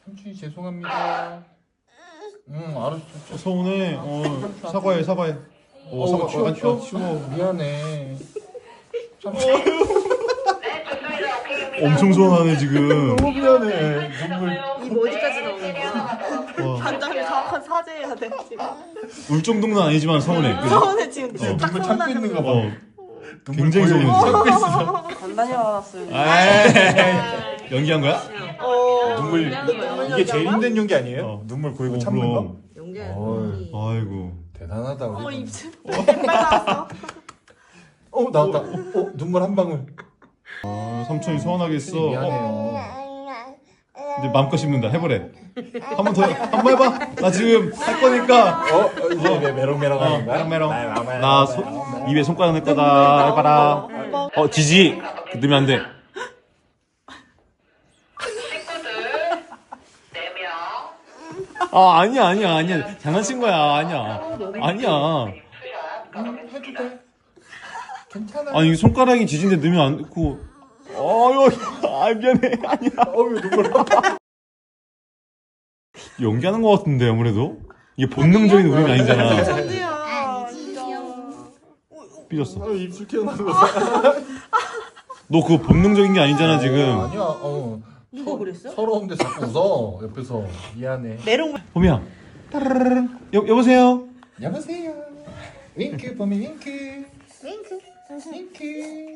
삼촌이 죄송합니다. 알았어. 서운해. 사과해. 사과. 치워. 미안해. 엄청 서운하네 지금. 너무 미안해. 눈물. 입 어디까지 나오는 거야? 반장님 정확한 사죄해야 돼 지금. 울 정도는 아니지만 서운해. 그죠? 서운해 지금 딱 눈물 참고 서운하는 있는 거 거. 봐. 굉장히 서운해. 참고 있어. 단단히 화났어요. 연기한 거야? 눈물. 이게 제일 힘든 연기 아니에요? 눈물 고이고 참는 거? 그럼. 연기하는 아이고. 대단하다 우리. 입술 빨 나왔어. 나왔다. 눈물 한 방울. 삼촌이 서운하겠어. 미안해요. 이제 마음껏 씹는다. 해보래. 한 번 해봐. 나 지금 할 거니까. 이제 메롱메롱 하는 거야? 메롱메롱. 나 입에 손가락 낼 거다. 해봐라. 지지. 넣으면 안 돼. 아니야. 장난친 거야. 아니야. 해도 돼. 괜찮아. 아니 손가락이 지진데 넣으면 안 되고. 미안해. 아니야. 눈물. 연기하는 거 같은데 아무래도 이게 본능적인 울음이 아니잖아. 천지야 진짜. 삐졌어. 입술 튀어나오는 거. 너 그거 본능적인 게 아니잖아 지금. 아니야. 누가 그랬어? 서러운데 자꾸 웃어. 옆에서 미안해. 메롱. 봄이야. 따르르릉. 여보세요. 여보세요. 윙크 봄이 윙크. 윙크.